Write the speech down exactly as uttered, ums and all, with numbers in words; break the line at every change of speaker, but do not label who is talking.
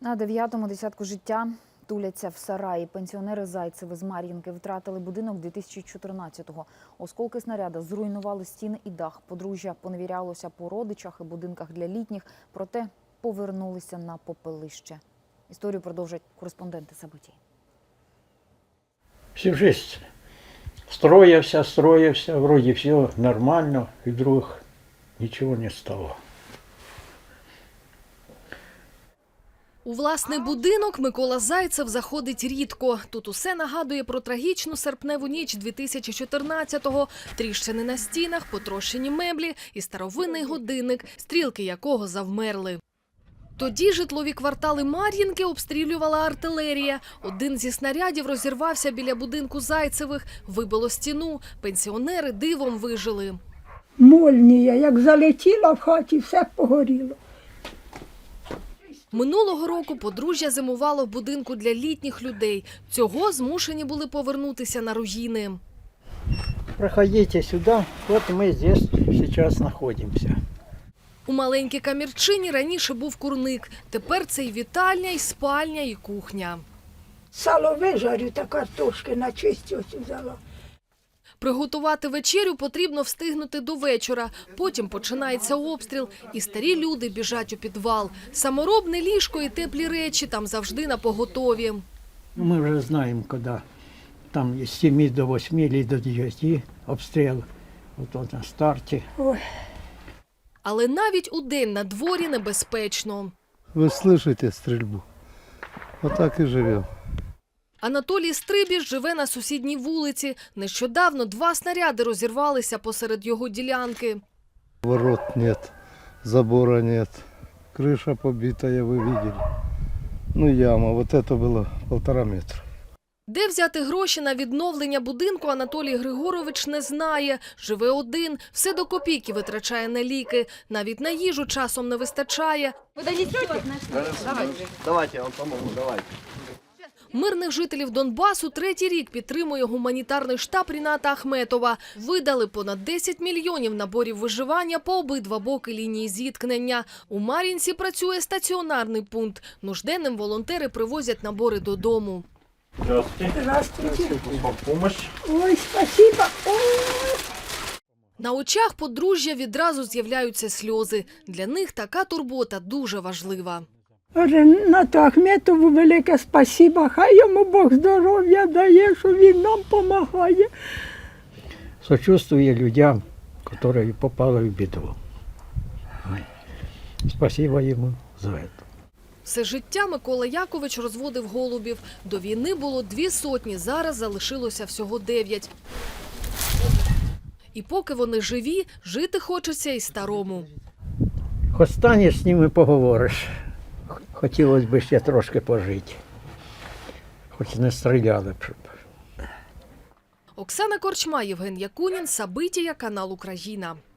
На дев'ятому десятку життя туляться в сараї. Пенсіонери Зайцеви з Мар'їнки втратили будинок дві тисячі чотирнадцятого. Осколки снаряда зруйнували стіни і дах. Подружжя поневірялося по родичах і будинках для літніх, проте повернулися на попелище. Історію продовжать кореспонденти Событий.
Всю жизнь строился, строился, вроде все нормально, и вдруг ничего не стало.
У власний будинок Микола Зайцев заходить рідко. Тут усе нагадує про трагічну серпневу ніч дві тисячі чотирнадцятого. Тріщини на стінах, потрощені меблі і старовинний годинник, стрілки якого завмерли. Тоді житлові квартали Мар'їнки обстрілювала артилерія. Один зі снарядів розірвався біля будинку Зайцевих, вибило стіну. Пенсіонери дивом вижили.
Молнія, як залетіла в хаті, все погоріло.
Минулого року подружжя зимувало в будинку для літніх людей. Цього змушені були повернутися на руїни.
Проходите сюда, вот мы здесь сейчас находимся.
У маленькій камірчині раніше був курник. Тепер це і вітальня, і спальня, і кухня.
Сало вижарю та картошки на чисті ось взяла.
Приготувати вечерю потрібно встигнути до вечора. Потім починається обстріл, і старі люди біжать у підвал. Саморобне ліжко і теплі речі там завжди напоготові.
Мы уже знаем, когда там с семи до восьми или до девяти обстрел. Вот он на старте.
Ой.
Але навіть удень на дворі небезпечно.
Вы слышите стрельбу? Вот так и живем.
Анатолій Стрибіж живе на сусідній вулиці. Нещодавно два снаряди розірвалися посеред його ділянки.
Ворот нет, забора нет, крыша побитая, вы видели. Ну яма, вот это было полтора метра.
Де взяти гроші на відновлення будинку, Анатолій Григорович не знає. Живе один, все до копійки витрачає на ліки. Навіть на їжу часом не вистачає.
Давайте, я вам помогу, давайте.
Мирних жителів Донбасу третій рік підтримує гуманітарний штаб Ріната Ахметова. Видали понад десять мільйонів наборів виживання по обидва боки лінії зіткнення. У Мар'їнці працює стаціонарний пункт. Нужденним волонтери привозять набори додому.
Здравствуйте.
Здравствуйте.
Вам помощь.
Ой, спасибо. Ой.
На очах подружжя відразу з'являються сльози. Для них така турбота дуже важлива.
Ренату Ахметову велике спасибо. Хай йому Бог здоров'я дає, що він нам допомагає.
Сочувствую людям, которые попали в беду. Ой. Спасибо ему за это.
Все життя Микола Якович розводив голубів. До війни було дві сотні, зараз залишилося всього дев'ять. І поки вони живі, жити хочеться і старому.
Хоч станеш з ними поговориш. Хотілося б ще трошки пожити. Хоч не стріляли б. Щоб.
Оксана Корчма, Євген Якунін, События, канал Україна.